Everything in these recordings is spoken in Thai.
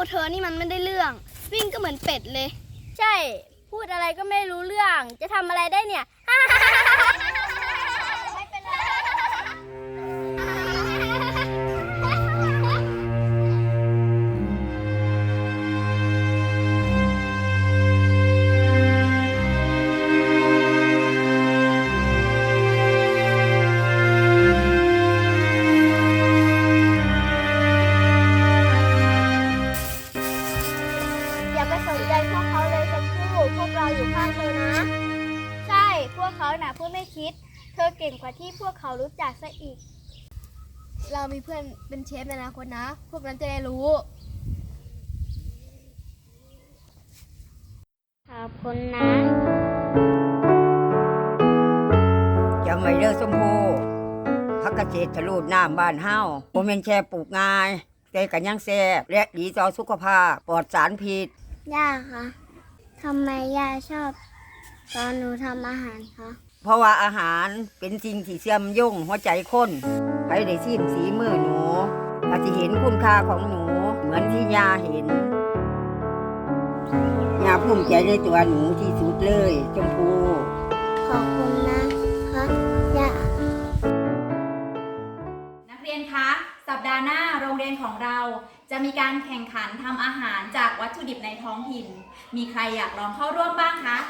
เธอนี่มันไม่ได้เรื่องวิ่งก็เหมือนเป็ดเลยใช่พูดอะไรก็ไม่รู้เรื่องจะทำอะไรได้เนี่ย ไม่เป็นไรอย่าไปสนใจพวกเขาเลยชมพู่พวกเราอยู่ข้างเธอนะใช่พวกเขาน่ะพูดไม่คิดเธอเก่งกว่าที่พวกเขารู้จักซะอีกเรามีเพื่อนเป็นเชฟในอนาคตนะพวกนั้นจะได้รู้ขอบคุณนะจำไว้เด้อชมพู่พักเกษตรทะลุน้ำบ้านเฮาบ่แม่นแค่ปลูกง่ายแต่ก็ยังแซ่บและดีต่อสุขภาพปลอดสารพิษย่าคะทำไมย่าชอบตอนหนูทำอาหารคะเพราะว่าอาหารเป็นสิ่งที่เชื่อมโยงหัวใจคนใครได้ชิมสีมือหนูก็สิเห็นคุณค่าของหนูเหมือนที่ย่าเห็นย่าภูมิใจในตัวหนูที่สุดเลยชมพู่ขอบคุณนะคะย่านักเรียนคะสัปดาห์หน้าโรงเรียนของเราจะมีการแข่งขันทำอาหารจากวัตถุดิบในท้องถิ่นมีใครอยากลองเข้าร่วมบ้างคะ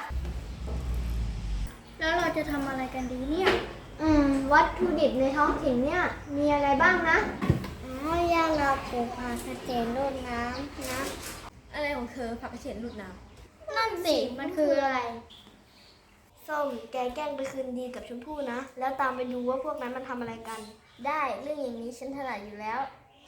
แล้วเราจะทำอะไรกันดีเนี่ยวัตถุดิบในท้องถิ่นเนี่ยมีอะไรบ้างนะย่าเราปลูกผักกระเฉดรดน้ำนะอะไรของเธอผักกระเฉดรดน้ำนั่นสิมันคืออะไรส้มแกแกล้งไปคืนดีกับชมพู่นะแล้วตามไปดูว่าพวกนั้นมันทำอะไรกันได้เรื่องอย่างนี้ฉันถนัดอยู่แล้ว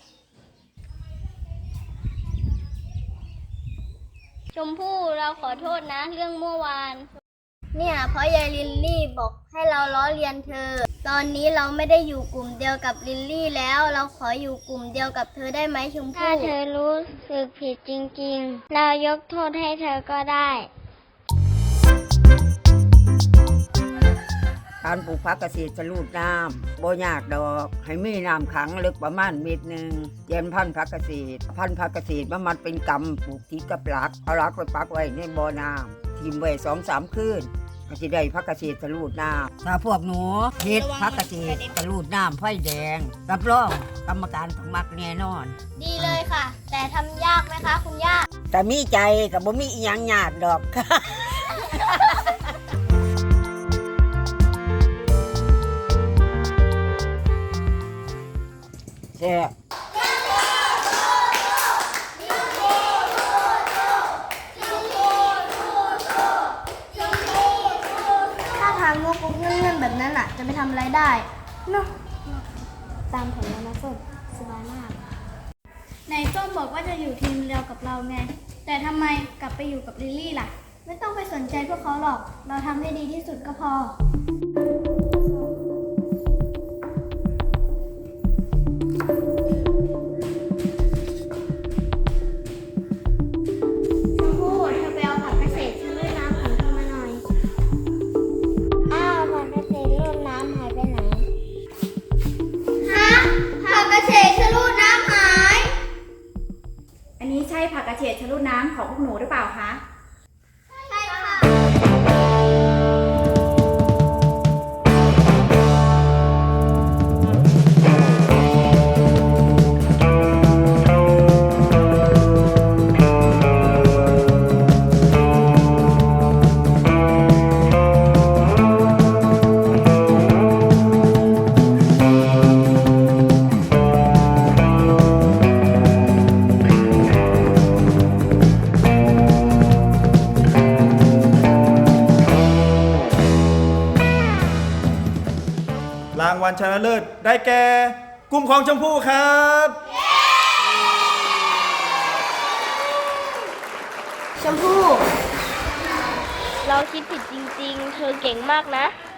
ชมพู่เราขอโทษนะเรื่องเมื่อวานเนี่ยเพราะยายลิลลี่บอกให้เราล้อเลียนเธอตอนนี้เราไม่ได้อยู่กลุ่มเดียวกับลิลลี่แล้วเราขออยู่กลุ่มเดียวกับเธอได้ไหมชมพู่ถ้าเธอรู้สึกผิดจริงๆเรายกโทษให้เธอก็ได้การปลูกผักเกษตรทะลุน้ำบ่ยากดอกให้มีน้ำขังลึกประมาณเมตรหนึ่งเย็นพันธุ์ผักเกษตรมันเป็นกำปลูกที่กับหลักเอาหลักไปปักไว้ในบ่อน้ำทิ่มไว้2-3 คืนก็จะได้ผักเกษตรทะลุน้ำถ้าพวกหนูเฮ็ดผักเกษตรทะลุน้ำไฟแดงรับรองกรรมการต้องมักแน่นอนดีเลยค่ะแต่ทำยากไหมคะคุณย่าแต่มีใจกับบ่มีอีหยังยากดอกแซ่บถ้าทางงกเงื่อนๆแบบนั้นอ่ะจะไปทำอะไรได้เนาะตามแผนแล้วนะส้มสบายมากในส้มบอกว่าจะอยู่ทีมเดียวกับเราไงแต่ทำไมกลับไปอยู่กับลิลลี่ล่ะไม่ต้องไปสนใจพวกเขาหรอกเราทำให้ดีที่สุดก็พอใช่ผักกระเฉดชะลูดน้ำของพวกหนูหรือเปล่าคะใช่ค่ะรางวัลชนะเลิศได้แก่กลุ่มของชมพู่ครับชมพู่เราคิดผิดจริงๆเธอเก่งมากนะ